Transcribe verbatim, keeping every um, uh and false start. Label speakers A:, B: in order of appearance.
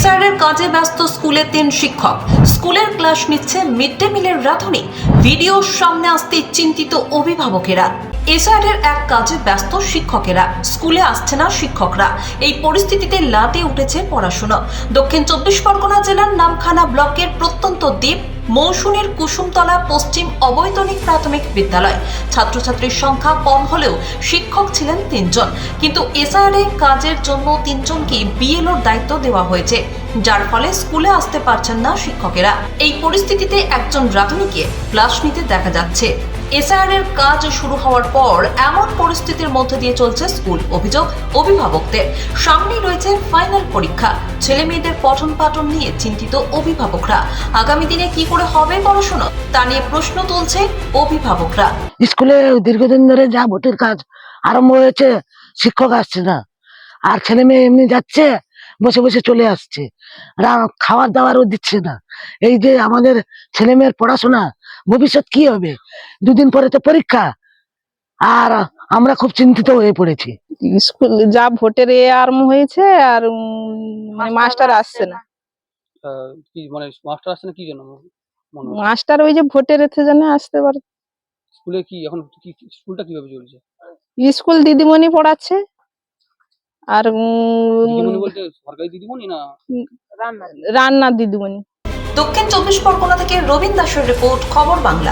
A: SIR কাজে ব্যস্ত স্কুলের তিন শিক্ষক। স্কুলের ক্লাস নিচ্ছে মিড ডে মিলের রাঁধুনি। ভিডিওর সামনে আসতে চিন্তিত অভিভাবকেরা। এসআইআর এক কাজে ব্যস্ত শিক্ষকেরা, স্কুলে আসছে না শিক্ষকরা। এই পরিস্থিতিতে লাটে উঠেছে পড়াশোনা। দক্ষিণ চব্বিশ পরগনা জেলার নামখানা ব্লকের প্রত্যন্ত দ্বীপ মৌসুমীর কুসুমতলা পশ্চিম অবৈতনিক প্রাথমিক বিদ্যালয়। ছাত্রছাত্রীর সংখ্যা কম হলেও শিক্ষক ছিলেন তিনজন, কিন্তু এসআইআর কাজের জন্য তিনজনকে বিএলওর দায়িত্ব দেওয়া হয়েছে, যার ফলে স্কুলে আসতে পারছেন না শিক্ষকেরা। এই পরিস্থিতিতে একজন রাঁধুনিকে ক্লাস নিতে দেখা যাচ্ছে। এসআইআর কাজ শুরু হওয়ার পর এমন পরিস্থিতির মধ্যে দিয়ে চলছে স্কুল। অভিযোগ অভিভাবকদের, সামনেই রয়েছে ফাইনাল পরীক্ষা। ছেলে মেয়েদের পঠন পাঠন নিয়ে চিন্তিত অভিভাবকরা। আগামী দিনে কি করে হবে পড়াশোনা, তা নিয়ে প্রশ্ন তুলছে অভিভাবকরা।
B: স্কুলে দীর্ঘদিন ধরে যা ভোটের কাজ আরম্ভ হয়েছে, শিক্ষক আসছে না, আর ছেলে মেয়ে এমনি যাচ্ছে, বসে বসে চলে আসছে, খাবার দাবারও দিচ্ছে না। এই যে আমাদের ছেলে মেয়ের পড়াশোনা, ভবিষ্যৎ কি হবে? দুদিন পরে তো পরীক্ষা, আর আমরা খুব চিন্তিত হয়ে পড়েছি।
C: স্কুল যা ভোটের এ আরম্ভ হয়েছে, আর মানে মাস্টার আসছে না।
D: কি মানে মাস্টার আসছে না কি জন্য মনে হচ্ছে?
C: মাস্টার ওই যে ভোটের এতে জন্য আসতে পারে।
D: স্কুলে কি এখন কি স্কুলটা কিভাবে চলছে?
C: স্কুল দিদিমণি পড়াচ্ছে, আর উম,
D: দিদিমণি বলতে সরকারি দিদিমণি না
C: রান্নার দিদিমণি।
A: দক্ষিণ চব্বিশ পরগনা থেকে রবীন দাসের রিপোর্ট, খবর বাংলা।